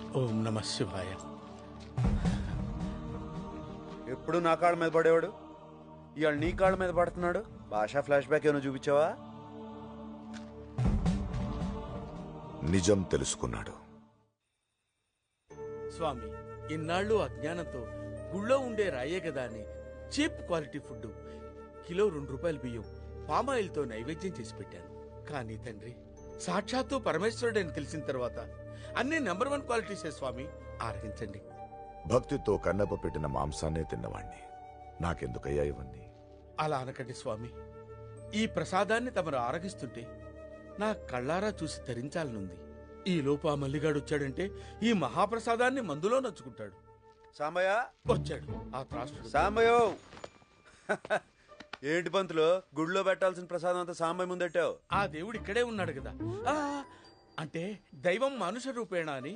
ఓం నమ శివాయ. ఎప్పుడు నా కాళ్ళ మీద పడేవాడు, ఇవాళ నీ కాళ్ళ మీద పడుతున్నాడు. భాషా ఫ్లాష్ బ్యాక్ ఏమైనా చూపించావా? నిజం తెలుసుకున్నాడు. స్వామి, ఇన్నాళ్ళు అజ్ఞానంతో గుళ్ళో ఉండే రాయే కదా అని చీప్ క్వాలిటీ ఫుడ్ కిలో ₹2 బియ్యం పామాయిల్తో నైవేద్యం చేసి పెట్టాను. కానీ తండ్రి, సాక్షాత్తు పరమేశ్వరుడని తెలిసిన తర్వాత అన్ని నంబర్ 1 క్వాలిటీసే స్వామి. ఆరగించండి. భక్తితో కన్నప్ప పెట్టిన మాంసాన్నే తిన్నవాణ్ణి. నాకెందుకయ్యా ఇవన్నీ? అలా అనకండి స్వామి. ఈ ప్రసాదాన్ని తమరు ఆరగిస్తుంటే నా కళ్ళారా చూసి తరించాలనుంది. ఈ లోపు ఆ మల్లిగాడు వచ్చాడంటే ఈ మహాప్రసాదాన్ని మందులో నచ్చుకుంటాడు. సాంబయ్య వచ్చాడు ఆ త్రాసుడు. సాంబయ్యో ఏంటి పంతులు, గుడిలో పెట్టాల్సిన ప్రసాదం అంతా సాంబయ్య ముందెట్టావు? ఆ దేవుడు ఇక్కడే ఉన్నాడు కదా. అంటే దైవం మనుష రూపేణ అని